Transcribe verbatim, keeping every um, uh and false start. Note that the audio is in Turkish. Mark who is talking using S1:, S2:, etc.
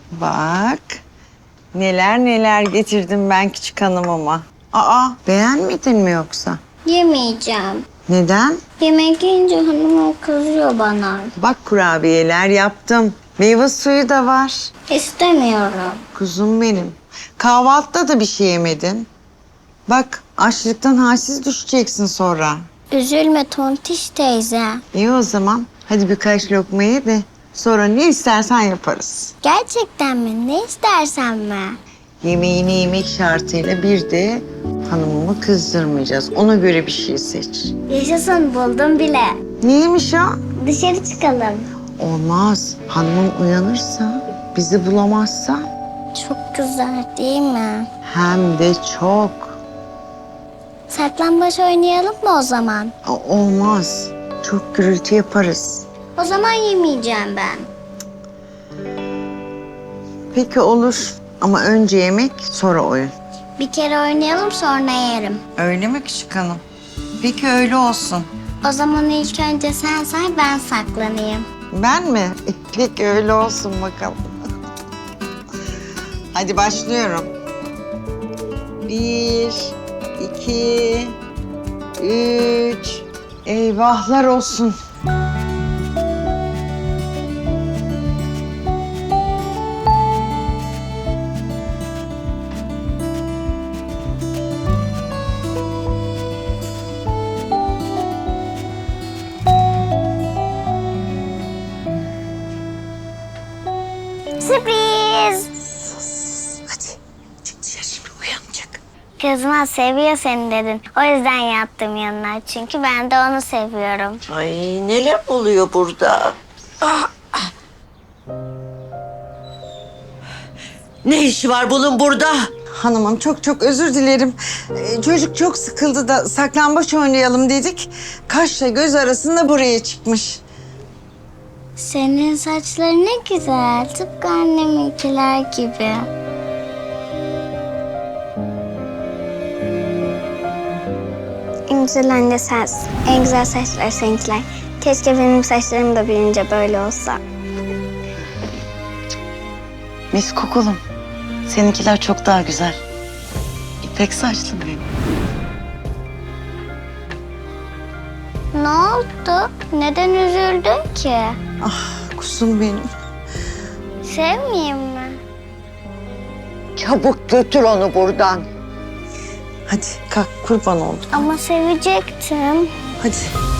S1: Bak. Neler neler getirdim ben küçük hanımıma. Aa, beğenmedin mi yoksa?
S2: Yemeyeceğim.
S1: Neden?
S2: Yemek yiyince hanım kızıyor bana.
S1: Bak kurabiyeler yaptım. Meyve suyu da var.
S2: İstemiyorum.
S1: Kuzum benim. Kahvaltıda da bir şey yemedin. Bak açlıktan halsiz düşeceksin sonra.
S2: Üzülme Tontiş teyze.
S1: İyi o zaman. Hadi birkaç lokma ye de sonra ne istersen yaparız.
S2: Gerçekten mi? Ne istersen mi?
S1: Yemeğini yemek şartıyla bir de hanımımı kızdırmayacağız. Ona göre bir şey seç.
S2: Yaşasın, buldum bile.
S1: Neymiş o?
S2: Dışarı çıkalım.
S1: Olmaz. Hanımım uyanırsa, bizi bulamazsa
S2: Çok güzel değil mi?
S1: hem de çok.
S2: Saklambaç oynayalım mı o zaman?
S1: O- Olmaz. Çok gürültü yaparız.
S2: O zaman yemeyeceğim ben.
S1: Peki olur. Ama önce yemek, sonra oyun.
S2: Bir kere oynayalım sonra yerim.
S1: Öyle mi küçük hanım? Peki öyle olsun.
S2: O zaman ilk önce sen say, ben saklanayım.
S1: Ben mi? Peki öyle olsun bakalım. Hadi başlıyorum. Bir, iki, üç. Eyvahlar olsun.
S2: Sürpriz!
S1: Hadi çık dışarı şimdi uyanacak.
S2: Kızma, seviyor seni dedin. O yüzden yattım yanına. Çünkü ben de onu seviyorum.
S3: Ay neler oluyor burada? Ah, ah. Ne işi var bunun burada?
S1: Hanımım çok çok özür dilerim. Ee, çocuk çok sıkıldı da saklambaç oynayalım dedik. Kaşla göz arasında buraya çıkmış.
S2: Senin saçların ne güzel. Tıpkı anneminkiler gibi. En güzel anne sensin. En güzel saçlar seninkiler. Keşke benim saçlarım da büyüyünce böyle olsa.
S4: Mis kokulum. Seninkiler çok daha güzel. İpek saçlı benim.
S2: Ne oldu? Neden üzüldün ki?
S1: Ah kuzum benim.
S2: Sevmeyeyim mi?
S3: Çabuk götür onu buradan.
S1: Hadi kalk kurban oldum.
S2: Ama sevecektim.
S1: Hadi.